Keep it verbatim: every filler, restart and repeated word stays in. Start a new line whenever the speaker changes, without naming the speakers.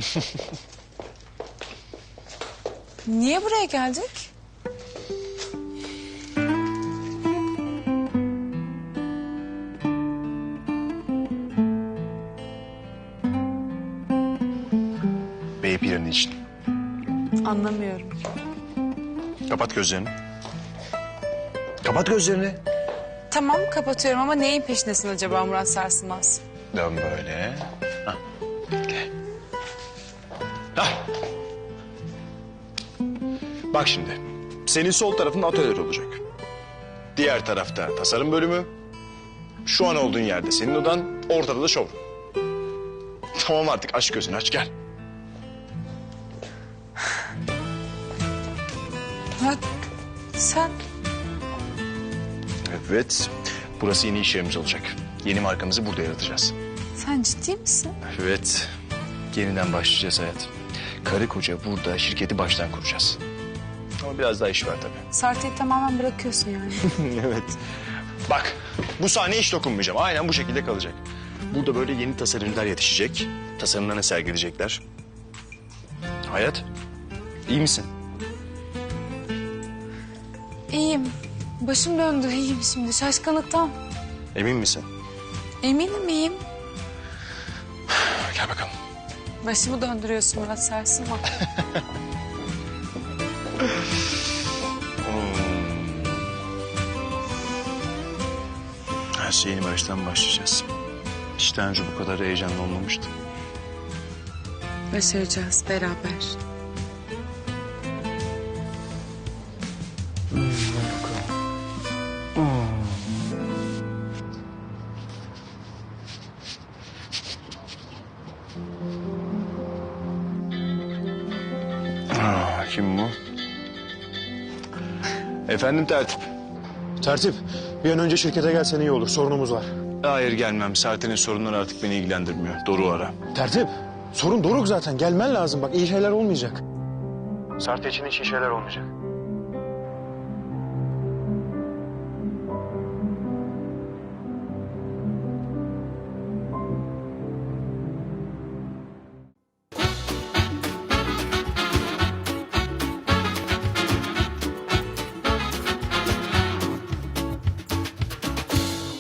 Niye buraya geldik?
Bey planı için.
Anlamıyorum.
Kapat gözlerini. Kapat gözlerini.
Tamam kapatıyorum ama neyin peşindesin acaba Murat Sarsılmaz?
Dön böyle. Hah. Gel. Hah. Bak şimdi. Senin sol tarafın atölye olacak. Diğer tarafta tasarım bölümü. Şu an olduğun yerde senin odan, ortada da showroom. Tamam artık aç gözünü aç gel.
Murat sen...
Evet. Burası yeni iş yerimiz olacak. Yeni markamızı burada yaratacağız.
Sen ciddi misin?
Evet. Yeniden başlayacağız hayat. Karı koca burada şirketi baştan kuracağız. Ama biraz daha iş var tabii.
Sartı'yı tamamen bırakıyorsun yani.
Evet. Bak bu sahneye hiç dokunmayacağım. Aynen bu şekilde kalacak. Burada böyle yeni tasarımcılar yetişecek. Tasarımlarını sergileyecekler. Hayat, iyi misin?
İyiyim. Başım döndü iyiyim şimdi şaşkınlıktan.
Emin misin?
Eminim iyiyim.
Gel bakalım.
Başımı döndürüyorsun Murat Sarsılmaz.
Her şey yeni baştan başlayacağız. Hiç daha önce bu kadar heyecanlı olmamıştım.
Başaracağız beraber.
Aa, kim bu? Efendim tertip.
Tertip, bir an önce şirkete gelsen iyi olur. Sorunumuz var.
Hayır gelmem. Serten'in sorunları artık beni ilgilendirmiyor. Doruk'u ara.
Tertip, sorun Doruk zaten. Gelmen lazım. Bak iyi şeyler olmayacak. Sarte için hiç iyi şeyler olmayacak.